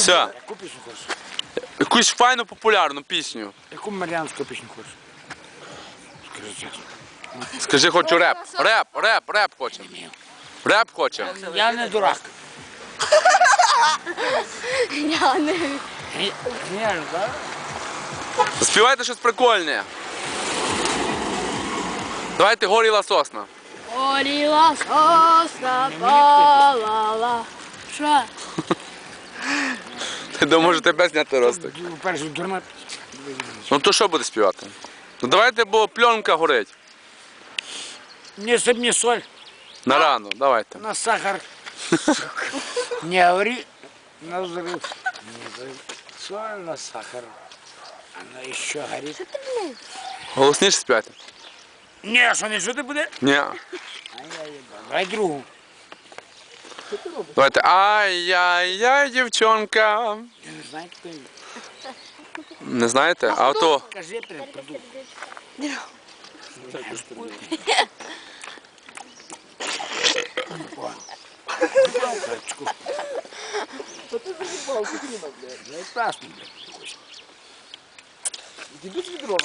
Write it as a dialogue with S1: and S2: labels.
S1: Все.
S2: Яку пісню хочеш?
S1: Якусь файну популярну пісню.
S2: Яку маріанську пісню хочеш? Скажи чесно.
S1: Скажи, хочу реп. Реп хочемо. Реп хочемо.
S2: Я не дурак.
S3: Я не...
S2: Я ж, так?
S1: Співайте щось прикольне. Давайте горіла сосна.
S3: Горіла сосна, палала. Що?
S1: Ти думаєш, тебе зняти ростик?
S2: Перше, дурна.
S1: Ну то що буде співати? Ну давайте, бо пленка горить.
S2: Не сип, не соль,
S1: На рану, давайте.
S2: на сахар. Не говори на взрыв. Соль на сахар. Она еще горит.
S1: Голосніше співайте?
S2: Не, що не чути буде?
S1: Ні.
S2: Давай другу.
S1: Давайте. Ай-яй-яй, дівчонка.
S2: Я не знаю, хто він.
S1: Не знаєте? А то.
S2: Кажи, придумай. Палочку. Ну и страшно, блядь.